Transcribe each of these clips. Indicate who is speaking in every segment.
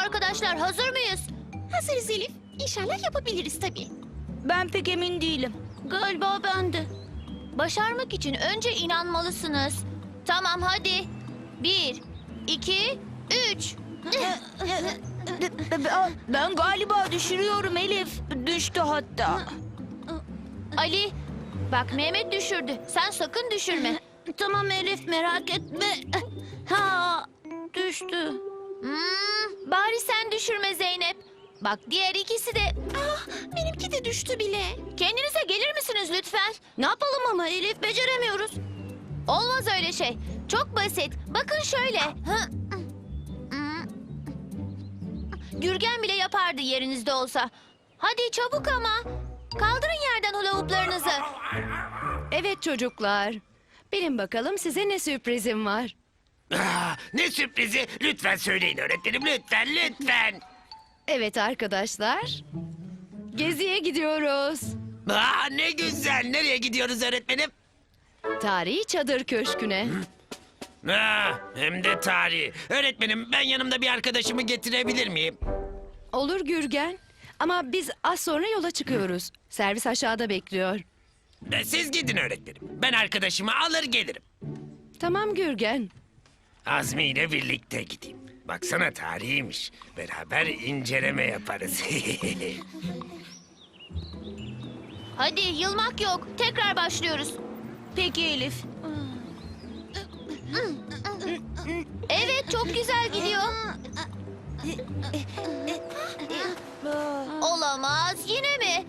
Speaker 1: arkadaşlar, hazır mıyız?
Speaker 2: Hazırız Elif. İnşallah yapabiliriz tabii.
Speaker 3: Ben pek emin değilim.
Speaker 1: Galiba ben de. Başarmak için önce inanmalısınız. Tamam, hadi. 1, 2, 3.
Speaker 3: Ben galiba düşürüyorum Elif. Düştü hatta.
Speaker 1: Ali, bak Mehmet düşürdü. Sen sakın düşürme.
Speaker 3: Tamam Elif, merak etme. Ha, düştü.
Speaker 1: Bari sen düşürme Zeynep. Bak diğer ikisi de...
Speaker 2: Benimki de düştü bile.
Speaker 1: Kendinize gelir misiniz lütfen?
Speaker 3: Ne yapalım ama Elif, beceremiyoruz.
Speaker 1: Olmaz öyle şey. Çok basit. Bakın şöyle. Gürgen bile yapardı yerinizde olsa. Hadi çabuk ama. Kaldırın yerden hula hooplarınızı.
Speaker 4: Evet çocuklar. Bilin bakalım size ne sürprizim var.
Speaker 5: Ne sürprizi? Lütfen söyleyin öğretmenim, lütfen.
Speaker 4: Evet arkadaşlar. Geziye gidiyoruz.
Speaker 5: Ne güzel. Nereye gidiyoruz öğretmenim?
Speaker 4: Tarihi Çadır Köşkü'ne.
Speaker 5: Hem de tarihi. Öğretmenim, ben yanımda bir arkadaşımı getirebilir miyim?
Speaker 4: Olur Gürgen. Ama biz az sonra yola çıkıyoruz. Servis aşağıda bekliyor.
Speaker 5: Siz gidin öğretmenim. Ben arkadaşımı alır gelirim.
Speaker 4: Tamam Gürgen.
Speaker 5: Azmi ile birlikte gideyim. Baksana, tarihiymiş. Beraber inceleme yaparız.
Speaker 1: Hadi yılmak yok. Tekrar başlıyoruz.
Speaker 3: Peki Elif.
Speaker 1: Evet, çok güzel gidiyor. Olamaz. Yine mi?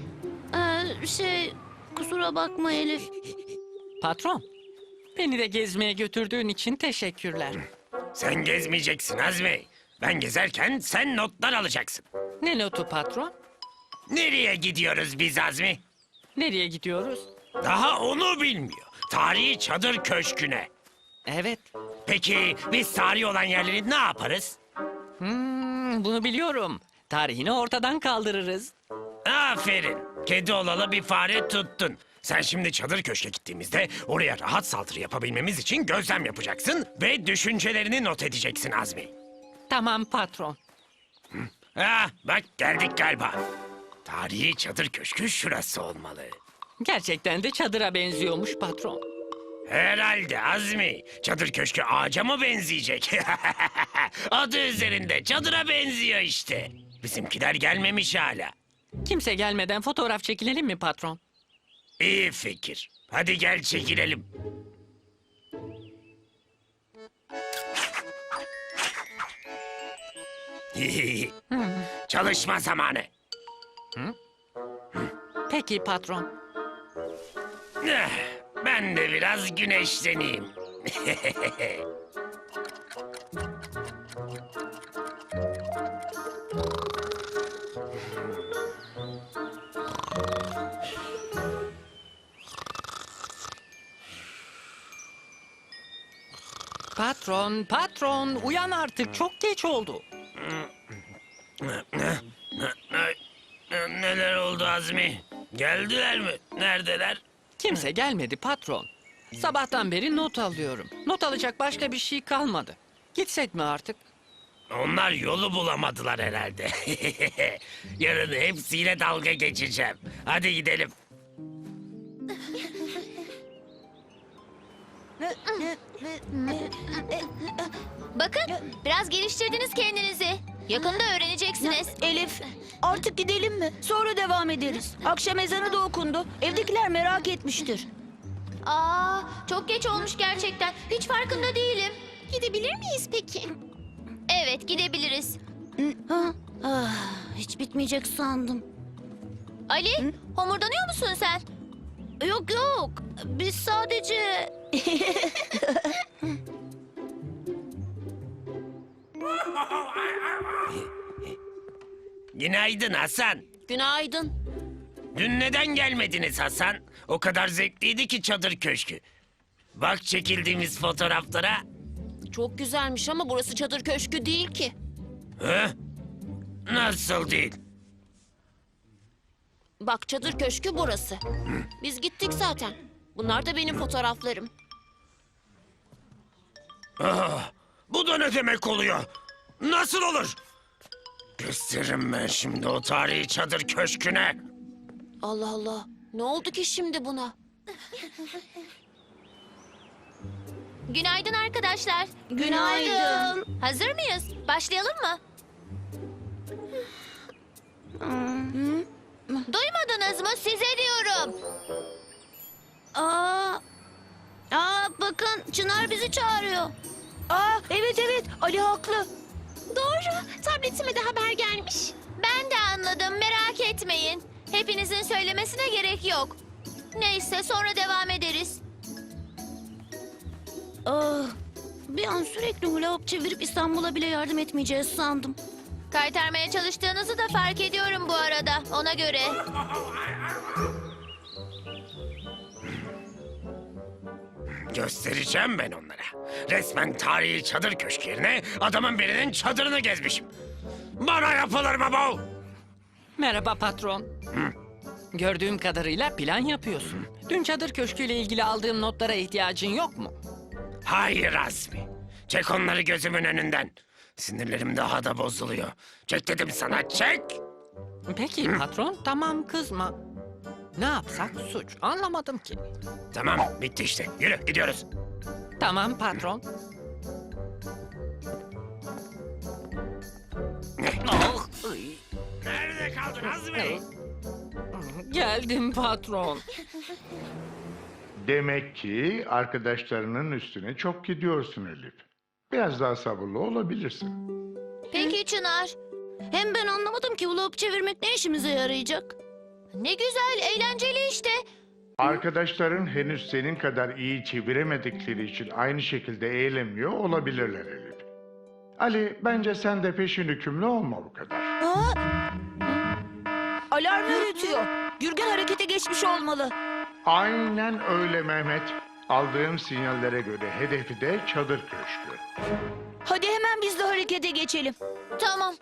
Speaker 3: Kusura bakma Elif.
Speaker 6: Patron, beni de gezmeye götürdüğün için teşekkürler.
Speaker 5: Sen gezmeyeceksin Azmi. Ben gezerken sen notlar alacaksın.
Speaker 6: Ne notu patron?
Speaker 5: Nereye gidiyoruz biz Azmi?
Speaker 6: Nereye gidiyoruz?
Speaker 5: Daha onu bilmiyor. Tarihi Çadır Köşkü'ne.
Speaker 6: Evet,
Speaker 5: Peki biz tarihi olan yerleri ne yaparız?
Speaker 6: bunu biliyorum. Tarihini ortadan kaldırırız.
Speaker 5: Aferin. Kedi olalı bir fare tuttun. Sen şimdi Çadır Köşk'e gittiğimizde oraya rahat saldırı yapabilmemiz için gözlem yapacaksın ve düşüncelerini not edeceksin Azmi.
Speaker 6: Tamam patron.
Speaker 5: Bak geldik galiba. Tarihi Çadır Köşkü şurası olmalı.
Speaker 6: Gerçekten de çadıra benziyormuş patron.
Speaker 5: Herhalde Azmi. Çadır Köşkü ağaca mı benzeyecek? Adı üzerinde çadıra benziyor işte. Bizimkiler gelmemiş hala.
Speaker 6: Kimse gelmeden fotoğraf çekilelim mi patron?
Speaker 5: İyi fikir. Hadi gel çekilelim. Çalışma zamanı.
Speaker 6: Peki patron.
Speaker 5: Ben de biraz güneşleneyim.
Speaker 6: Patron, uyan artık, çok geç oldu.
Speaker 5: Neler oldu Azmi? Geldiler mi? Neredeler?
Speaker 6: Kimse gelmedi patron. Sabahtan beri not alıyorum. Not alacak başka bir şey kalmadı. Gitsek mi artık?
Speaker 5: Onlar yolu bulamadılar herhalde. Yarın hepsiyle dalga geçeceğim. Hadi gidelim.
Speaker 1: Bakın, biraz geliştirdiniz kendinizi. Yakında öğreneceksiniz.
Speaker 3: Elif, artık gidelim mi? Sonra devam ederiz. Akşam ezanı da okundu. Evdekiler merak etmiştir.
Speaker 1: Çok geç olmuş gerçekten. Hiç farkında değilim.
Speaker 2: Gidebilir miyiz peki?
Speaker 1: Evet, gidebiliriz.
Speaker 3: Hiç bitmeyecek sandım.
Speaker 1: Ali, homurdanıyor musun sen?
Speaker 3: Yok yok. Biz sadece...
Speaker 5: Günaydın Hasan.
Speaker 1: Günaydın.
Speaker 5: Dün neden gelmediniz Hasan? O kadar zevkliydi ki Çadır Köşkü. Bak çekildiğimiz fotoğraflara.
Speaker 1: Çok güzelmiş ama burası çadır köşkü değil ki.
Speaker 5: Nasıl değil?
Speaker 1: Bak, çadır köşkü burası. Biz gittik zaten. Bunlar da benim fotoğraflarım.
Speaker 5: Bu da ne demek oluyor? Nasıl olur? Gösteririm ben şimdi o tarihi çadır köşküne.
Speaker 1: Allah Allah. Ne oldu ki şimdi buna? Günaydın arkadaşlar.
Speaker 3: Günaydın.
Speaker 1: Hazır mıyız? Başlayalım mı? Duymadınız mı? Size diyorum.
Speaker 3: Bakın Çınar bizi çağırıyor. Evet Ali haklı.
Speaker 2: Doğru. Tabletime de haber gelmiş.
Speaker 1: Ben de anladım. Merak etmeyin. Hepinizin söylemesine gerek yok. Neyse sonra devam ederiz.
Speaker 3: Bir an sürekli hula hop çevirip İstanbul'a bile yardım etmeyeceğiz sandım.
Speaker 1: Kaytarmaya çalıştığınızı da fark ediyorum bu arada. Ona göre.
Speaker 5: Göstereceğim ben onlara. Resmen tarihi çadır köşkü yerine adamın birinin çadırını gezmişim. Bana yapılır mı bu?
Speaker 6: Merhaba patron. Gördüğüm kadarıyla plan yapıyorsun. Dün çadır köşküyle ilgili aldığım notlara ihtiyacın yok mu?
Speaker 5: Hayır Azmi. Çek onları gözümün önünden. Sinirlerim daha da bozuluyor. Çek dedim sana, çek.
Speaker 6: Peki patron, tamam kızma. Ne yapsak suç? Anlamadım ki.
Speaker 5: Tamam, bitti işte. Yürü, gidiyoruz.
Speaker 6: Tamam patron. Oh, ay.
Speaker 5: Nerede kaldın Azmi?
Speaker 6: Geldim patron.
Speaker 7: Demek ki arkadaşlarının üstüne çok gidiyorsun Elif. Biraz daha sabırlı olabilirsin.
Speaker 1: Peki Çınar.
Speaker 3: Hem ben anlamadım ki hula hop çevirmek ne işimize yarayacak?
Speaker 1: Ne güzel, eğlenceli işte.
Speaker 7: Arkadaşların henüz senin kadar iyi çeviremedikleri için aynı şekilde eğlenmiyor olabilirler Elif. Ali, bence sen de peşin hükümlü olma bu kadar.
Speaker 3: Alarm öğretiyor. Gürgen harekete geçmiş olmalı.
Speaker 7: Aynen öyle Mehmet. Aldığım sinyallere göre hedefi de çadır köşkü.
Speaker 3: Hadi hemen biz de harekete geçelim.
Speaker 1: Tamam.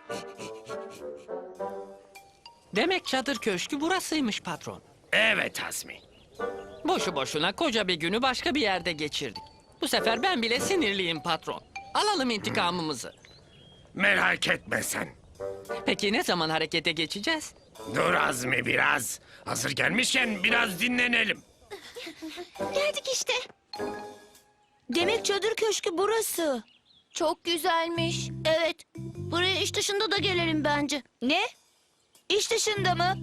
Speaker 6: Demek çadır köşkü burasıymış patron.
Speaker 5: Evet Azmi.
Speaker 6: Boşu boşuna koca bir günü başka bir yerde geçirdik. Bu sefer ben bile sinirliyim patron. Alalım intikamımızı.
Speaker 5: Merak etme sen.
Speaker 6: Peki ne zaman harekete geçeceğiz?
Speaker 5: Dur Azmi biraz. Hazır gelmişken biraz dinlenelim.
Speaker 2: Geldik işte.
Speaker 3: Demek çadır köşkü burası.
Speaker 1: Çok güzelmiş.
Speaker 3: Evet. Buraya iş dışında da gelelim bence. Ne? İş dışında mı?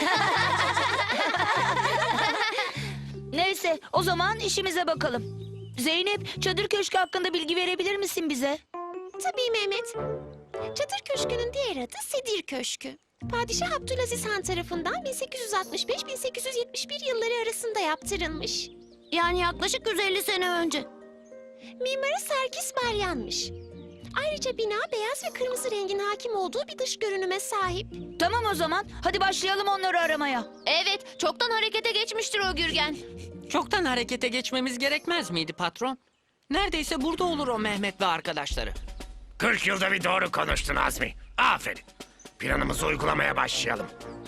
Speaker 3: Neyse o zaman işimize bakalım. Zeynep çadır köşkü hakkında bilgi verebilir misin bize?
Speaker 2: Tabii Mehmet. Çadır Köşkü'nün diğer adı Sedir Köşkü. Padişah Abdülaziz Han tarafından 1865-1871 yılları arasında yaptırılmış.
Speaker 3: Yani yaklaşık 150 sene önce.
Speaker 2: Mimarı Serkis Balyan'mış. Ayrıca bina beyaz ve kırmızı rengin hakim olduğu bir dış görünüme sahip.
Speaker 3: Tamam o zaman hadi başlayalım onları aramaya.
Speaker 1: Evet, çoktan harekete geçmiştir o Gürgen.
Speaker 6: Çoktan harekete geçmemiz gerekmez miydi patron? Neredeyse burada olur o Mehmet ve arkadaşları.
Speaker 5: 40 yılda bir doğru konuştun Azmi. Aferin. Planımızı uygulamaya başlayalım.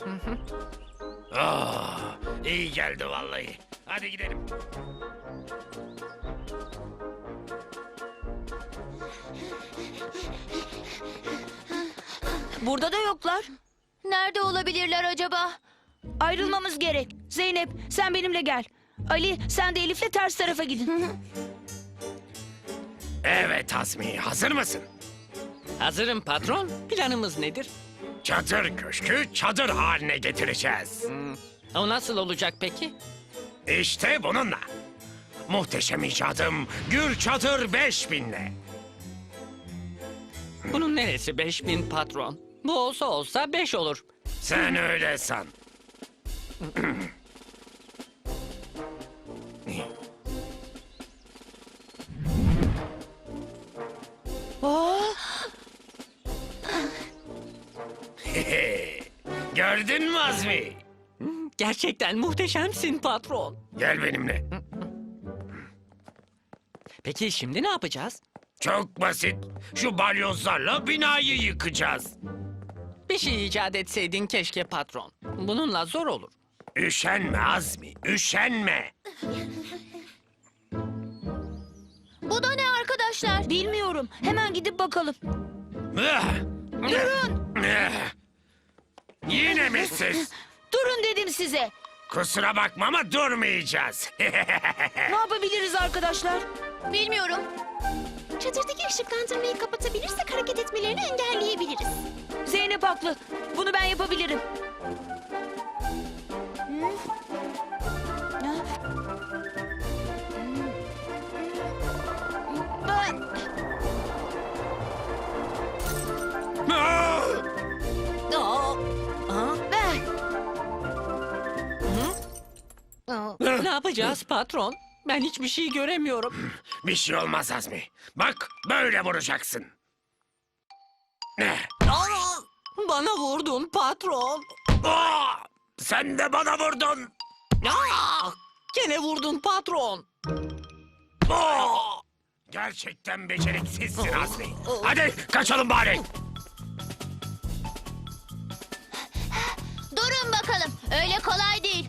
Speaker 5: Oh, iyi geldi vallahi. Hadi gidelim.
Speaker 3: Burada da yoklar.
Speaker 1: Nerede olabilirler acaba?
Speaker 3: Ayrılmamız gerek. Zeynep sen benimle gel. Ali sen de Elif'le ters tarafa gidin.
Speaker 5: Evet Azmi, hazır mısın?
Speaker 6: Hazırım patron. Planımız nedir?
Speaker 5: Çadır köşkü çadır haline getireceğiz.
Speaker 6: O nasıl olacak peki?
Speaker 5: İşte bununla. Muhteşem icadım Gür Çadır 5000'le.
Speaker 6: Bunun neresi 5000 patron? Bu olsa 5 olur.
Speaker 5: Sen öyle san. Gördün mü Azmi?
Speaker 6: Gerçekten muhteşemsin patron.
Speaker 5: Gel benimle.
Speaker 6: Peki şimdi ne yapacağız?
Speaker 5: Çok basit. Şu balyozlarla binayı yıkacağız.
Speaker 6: Bir şey icat etseydin keşke patron. Bununla zor olur.
Speaker 5: Üşenme Azmi, üşenme.
Speaker 1: Bu da ne arkadaşlar?
Speaker 3: Bilmiyorum. Hemen gidip bakalım.
Speaker 5: Ah!
Speaker 3: Durun.
Speaker 5: Yine mi siz?
Speaker 3: Durun dedim size.
Speaker 5: Kusura bakma ama durmayacağız.
Speaker 3: Ne yapabiliriz arkadaşlar?
Speaker 1: Bilmiyorum.
Speaker 2: Çadırdaki ışıklandırmayı kapatabilirsek hareket etmelerini engelleyebiliriz.
Speaker 3: Zeynep haklı. Bunu ben yapabilirim.
Speaker 6: Ne yapacağız patron? Ben hiçbir şey göremiyorum.
Speaker 5: Bir şey olmaz Azmi. Bak böyle vuracaksın.
Speaker 6: Aa, bana vurdun patron.
Speaker 5: Aa, sen de bana vurdun.
Speaker 6: Aa, gene vurdun patron.
Speaker 5: Aa, gerçekten beceriksizsin Azmi. Hadi kaçalım bari.
Speaker 1: Durun bakalım. Öyle kolay değil.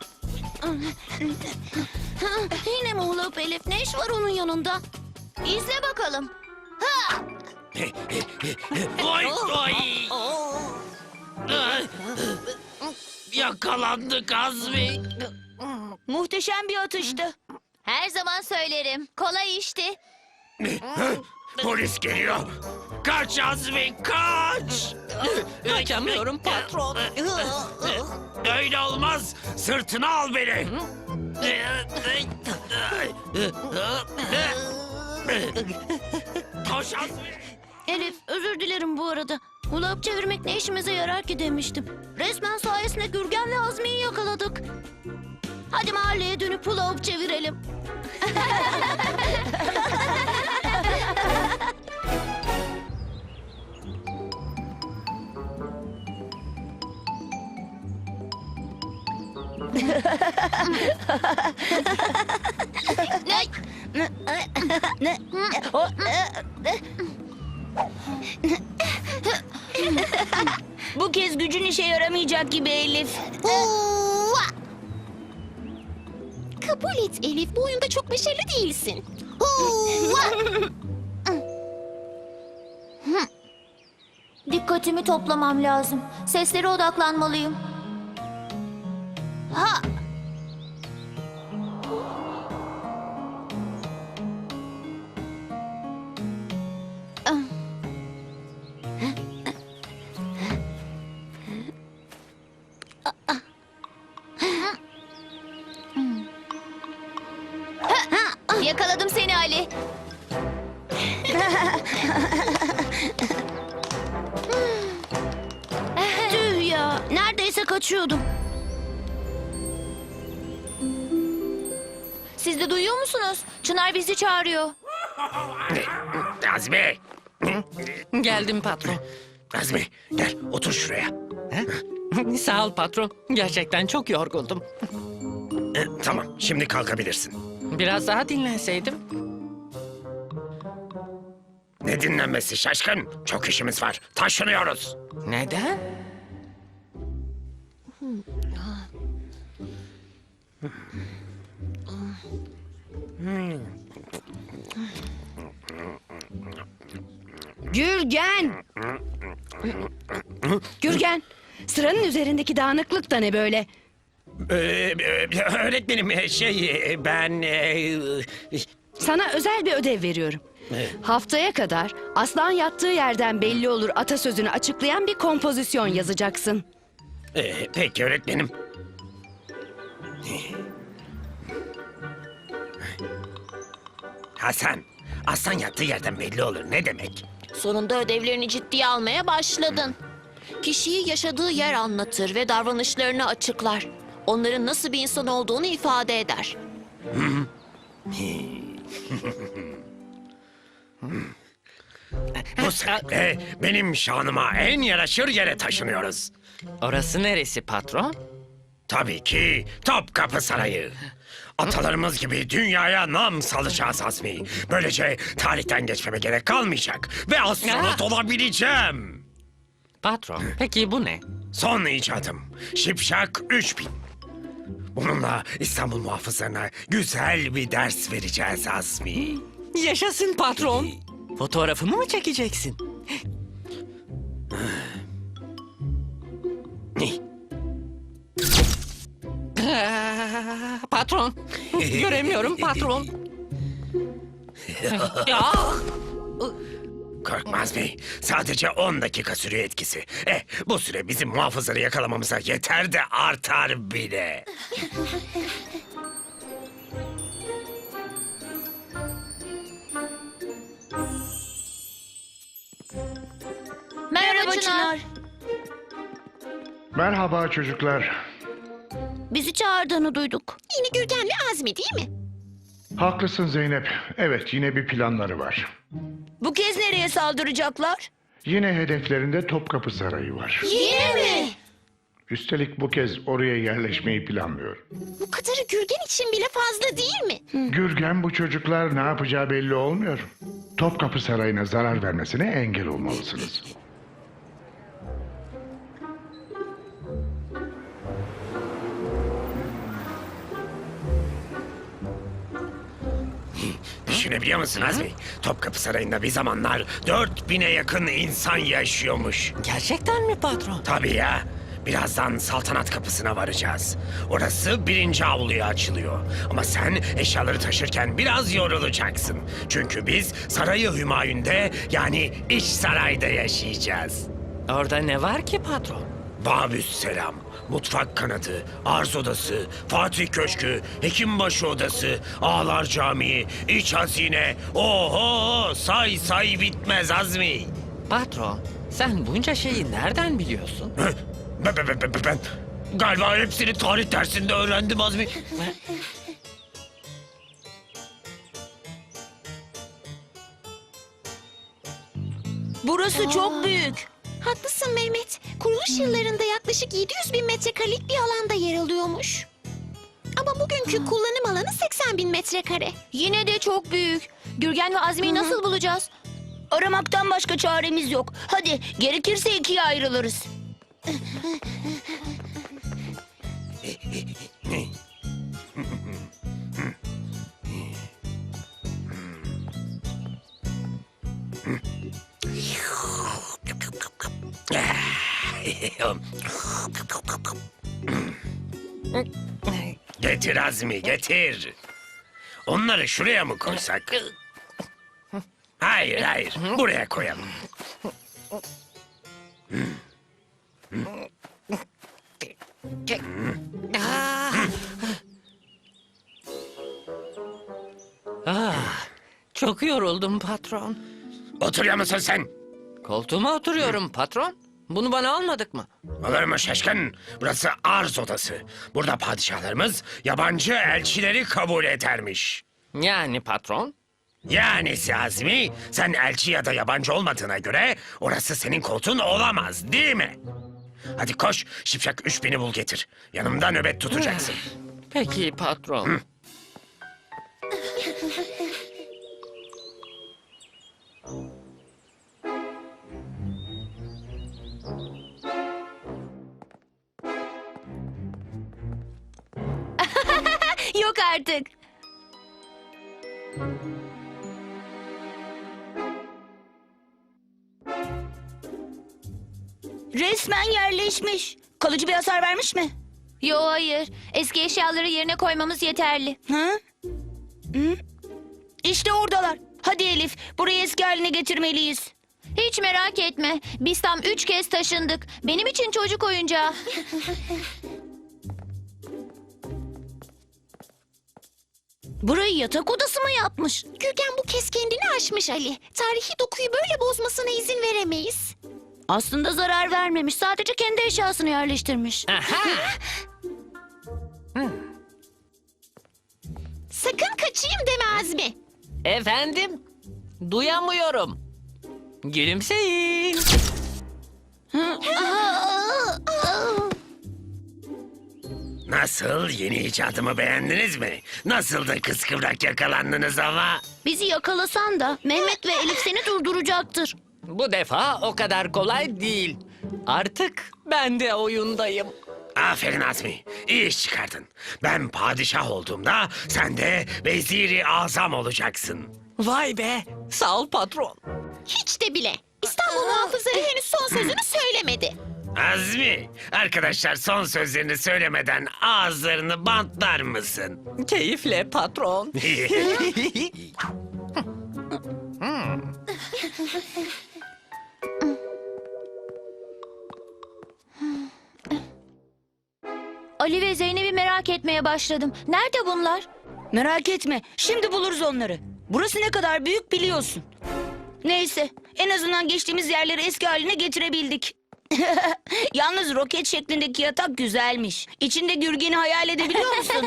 Speaker 2: Yine mi Hulap Elif? Ne iş var onun yanında?
Speaker 1: İzle bakalım. Ha!
Speaker 5: Oy oy. Yakalandık Azmi.
Speaker 3: Muhteşem bir atıştı.
Speaker 1: Her zaman söylerim. Kolay işti.
Speaker 5: Polis geliyor. Kaç Azmi kaç.
Speaker 6: Kaçamıyorum patron.
Speaker 5: Öyle olmaz. Sırtına al beni. Koş Azmi.
Speaker 2: Elif, özür dilerim bu arada. Hulap çevirmek ne işimize yarar ki demiştim. Resmen sayesinde Gürgen ve Azmi'yi yakaladık. Hadi mahalleye dönüp hulap çevirelim.
Speaker 3: Bu kez gücün işe yaramayacak gibi Elif.
Speaker 2: Kabul et Elif, bu oyunda çok başarılı değilsin.
Speaker 1: Dikkatimi toplamam lazım. Seslere odaklanmalıyım. Ha! Yakaladım seni Ali.
Speaker 2: Tüh ya, neredeyse kaçıyordum.
Speaker 1: Siz de duyuyor musunuz? Çınar bizi çağırıyor.
Speaker 5: Azmi.
Speaker 6: Geldim patron.
Speaker 5: Azmi gel otur şuraya.
Speaker 6: Sağ ol patron. Gerçekten çok yorgundum.
Speaker 5: Tamam şimdi kalkabilirsin.
Speaker 6: Biraz daha dinlenseydim.
Speaker 5: Ne dinlenmesi şaşkın? Çok işimiz var. Taşınıyoruz.
Speaker 6: Neden?
Speaker 4: Gürgen! Gürgen, sıranın üzerindeki dağınıklık da ne böyle?
Speaker 5: Öğretmenim ben...
Speaker 4: Sana özel bir ödev veriyorum. Haftaya kadar aslan yattığı yerden belli olur atasözünü açıklayan bir kompozisyon yazacaksın.
Speaker 5: Peki öğretmenim. Hasan, aslan yattığı yerden belli olur. Ne demek?
Speaker 2: Sonunda ödevlerini ciddiye almaya başladın. Kişiyi yaşadığı yer anlatır ve davranışlarını açıklar. Onların nasıl bir insan olduğunu ifade eder.
Speaker 5: Bu sebeple benim şanıma en yaraşır yere taşınıyoruz.
Speaker 6: Orası neresi patron?
Speaker 5: Tabii ki Topkapı Sarayı. Atalarımız gibi dünyaya nam salacağız Azmi. Böylece tarihten geçmeme gerek kalmayacak. Ve astronot olabileceğim.
Speaker 6: Patron, peki bu ne?
Speaker 5: Son icadım. Şipşak 3000. Bununla İstanbul muhafızlarına güzel bir ders vereceğiz Azmi.
Speaker 6: Yaşasın patron. Fotoğrafımı mı çekeceksin? Göremiyorum patron. Ya!
Speaker 5: Korkma Azmi. Sadece 10 dakika sürüyor etkisi. Bu süre bizim muhafızları yakalamamıza yeter de artar bile.
Speaker 1: Merhaba Çınar.
Speaker 7: Merhaba çocuklar.
Speaker 2: Bizi çağırdığını duyduk.
Speaker 1: Yine Gürgen ve Azmi değil mi?
Speaker 7: Haklısın Zeynep. Evet, yine bir planları var.
Speaker 3: Bu kez nereye saldıracaklar?
Speaker 7: Yine hedeflerinde Topkapı Sarayı var.
Speaker 1: Yine mi?
Speaker 7: Üstelik bu kez oraya yerleşmeyi planlıyor.
Speaker 1: Bu kadarı Gürgen için bile fazla değil mi?
Speaker 7: Gürgen bu çocuklar ne yapacağı belli olmuyor. Topkapı Sarayı'na zarar vermesine engel olmalısınız.
Speaker 5: Düşünebiliyor musun Azmi? Topkapı Sarayı'nda bir zamanlar 4000'e yakın insan yaşıyormuş.
Speaker 6: Gerçekten mi patron?
Speaker 5: Tabii ya. Birazdan saltanat kapısına varacağız. Orası 1. avluya açılıyor. Ama sen eşyaları taşırken biraz yorulacaksın. Çünkü biz Sarayı Hümayun'de yani İç Saray'da yaşayacağız.
Speaker 6: Orada ne var ki patron?
Speaker 5: Babüsselam, mutfak kanadı, arz odası, Fatih Köşkü, Hekimbaşı odası, Ağlar Camii, iç hazine. Oho, say say bitmez Azmi.
Speaker 6: Patron, sen bunca şeyi nereden biliyorsun?
Speaker 5: Ben galiba hepsini tarih dersinde öğrendim Azmi.
Speaker 3: Burası çok büyük.
Speaker 1: Haklısın Mehmet. Kuruluş yıllarında yaklaşık 700 bin metrekarelik bir alanda yer alıyormuş. Ama bugünkü kullanım alanı 80 bin metrekare. Yine de çok büyük. Gürgen ve Azmi'yi nasıl bulacağız?
Speaker 3: Aramaktan başka çaremiz yok. Hadi gerekirse ikiye ayrılırız.
Speaker 5: Getir Azmi, getir. Onları şuraya mı koysak? Hayır, hayır. Buraya koyalım.
Speaker 6: Çok yoruldum patron.
Speaker 5: Oturuyor musun sen?
Speaker 6: Koltuğuma oturuyorum patron. Bunu bana almadık mı?
Speaker 5: Olur mu şaşkın? Burası arz odası. Burada padişahlarımız yabancı elçileri kabul edermiş.
Speaker 6: Yani patron?
Speaker 5: Yani Azmi, sen elçi ya da yabancı olmadığına göre orası senin koltuğun olamaz, değil mi? Hadi koş, Şipşak 3000'i bul getir. Yanımda nöbet tutacaksın.
Speaker 6: Peki patron.
Speaker 1: Yok artık.
Speaker 3: Resmen yerleşmiş. Kalıcı bir hasar vermiş mi?
Speaker 1: Yo hayır. Eski eşyaları yerine koymamız yeterli.
Speaker 3: Hı? Hı? İşte oradalar. Hadi Elif, burayı eski haline getirmeliyiz.
Speaker 1: Hiç merak etme. Biz tam 3 kez taşındık. Benim için çocuk oyuncağı.
Speaker 2: Burayı yatak odası mı yapmış?
Speaker 1: Gürgen bu kez kendini aşmış Ali. Tarihi dokuyu böyle bozmasına izin veremeyiz.
Speaker 2: Aslında zarar vermemiş. Sadece kendi eşyasını yerleştirmiş.
Speaker 6: Aha!
Speaker 1: Sakın kaçayım deme Azmi.
Speaker 6: Efendim? Duyamıyorum. Gülümseyin.
Speaker 5: Nasıl, yeni icadımı beğendiniz mi? Nasıl da kıskıvrak yakalandınız ama?
Speaker 2: Bizi yakalasan da Mehmet ve Elif seni durduracaktır.
Speaker 6: Bu defa o kadar kolay değil. Artık ben de oyundayım.
Speaker 5: Aferin Azmi, iyi iş çıkardın. Ben padişah olduğumda sen de veziri azam olacaksın.
Speaker 6: Vay be, sağ ol patron.
Speaker 1: Hiç de bile. İstanbul muhafızları henüz son sözünü söylemedi.
Speaker 5: Azmi, arkadaşlar son sözlerini söylemeden ağızlarını bantlar mısın?
Speaker 6: Keyifle patron.
Speaker 2: Ali ve Zeynep'i merak etmeye başladım. Nerede bunlar?
Speaker 3: Merak etme, şimdi buluruz onları. Burası ne kadar büyük biliyorsun. Neyse, en azından geçtiğimiz yerleri eski haline getirebildik. Yalnız roket şeklindeki yatak güzelmiş. İçinde Gürgen'i hayal edebiliyor musun?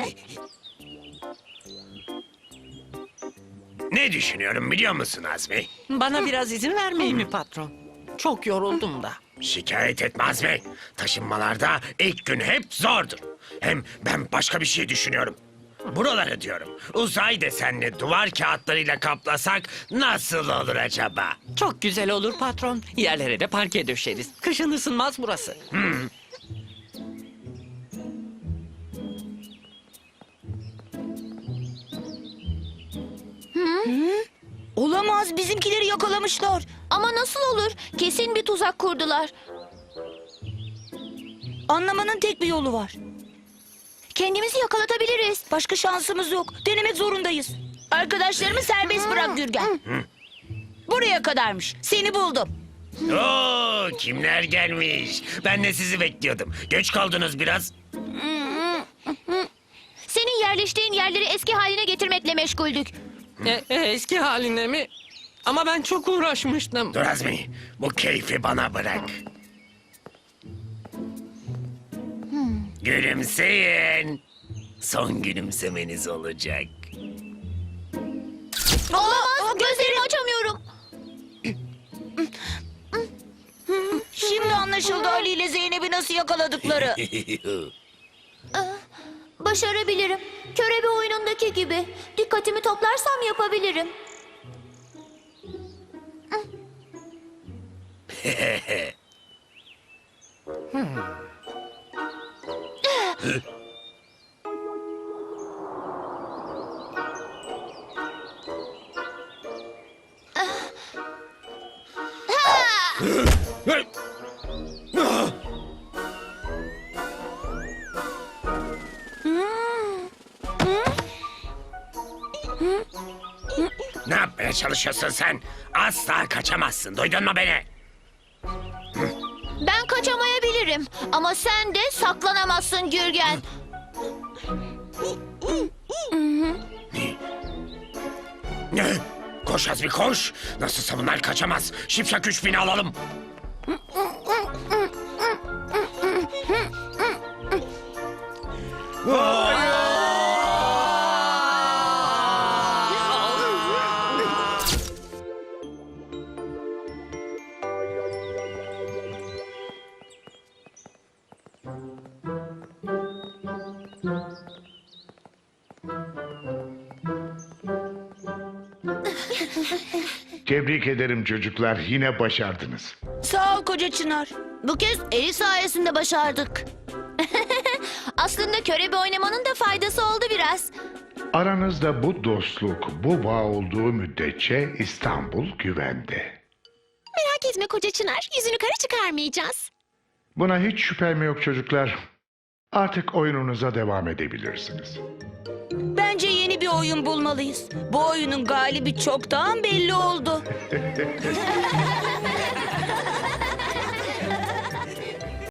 Speaker 5: Ne düşünüyorum biliyor musun Azmi?
Speaker 6: Bana biraz izin vermeyi mi patron? Çok yoruldum da.
Speaker 5: Şikayet etme Azmi. Taşınmalarda ilk gün hep zordur. Hem ben başka bir şey düşünüyorum. Buraları diyorum. Uzay desenli duvar kağıtlarıyla kaplasak nasıl olur acaba?
Speaker 6: Çok güzel olur patron. Yerlere de parke döşeriz. Kışın ısınmaz burası.
Speaker 3: Olamaz, bizimkileri yakalamışlar.
Speaker 2: Ama nasıl olur? Kesin bir tuzak kurdular.
Speaker 3: Anlamanın tek bir yolu var.
Speaker 2: Kendimizi yakalatabiliriz.
Speaker 3: Başka şansımız yok. Denemek zorundayız. Arkadaşlarımı serbest bırak Gürgen. Buraya kadarmış. Seni buldum.
Speaker 5: Oo, kimler gelmiş? Ben de sizi bekliyordum. Geç kaldınız biraz.
Speaker 2: Senin yerleştiğin yerleri eski haline getirmekle meşguldük.
Speaker 6: Eski haline mi? Ama ben çok uğraşmıştım.
Speaker 5: Dur Azmi, bu keyfi bana bırak. Gülümseyin. Son gülümsemeniz olacak.
Speaker 2: Olamaz. Gözlerimi açamıyorum.
Speaker 3: Şimdi anlaşıldı Ali ile Zeynep'i nasıl yakaladıkları.
Speaker 2: Başarabilirim. Körebe oyunundaki gibi. Dikkatimi toplarsam yapabilirim.
Speaker 5: Ne yapmaya çalışıyorsun sen? Asla kaçamazsın. Duydun mu beni?
Speaker 2: Ben kaçamayabilirim. Ama sen de saklanamazsın Gürgen.
Speaker 5: Ne? Koş Azmi koş. Nasılsa bunlar kaçamaz. Şipşak 3000'i alalım.
Speaker 7: Tebrik ederim çocuklar, yine başardınız.
Speaker 3: Sağ ol koca Çınar.
Speaker 2: Bu kez Eli sayesinde başardık. Aslında körebe oynamanın da faydası oldu biraz.
Speaker 7: Aranızda bu dostluk, bu bağ olduğu müddetçe İstanbul güvende.
Speaker 1: Merak etme koca Çınar. Yüzünü kara çıkarmayacağız.
Speaker 7: Buna hiç şüphem yok çocuklar. Artık oyununuza devam edebilirsiniz.
Speaker 3: Bence yeni bir oyun bulmalıyız. Bu oyunun galibi çoktan belli oldu.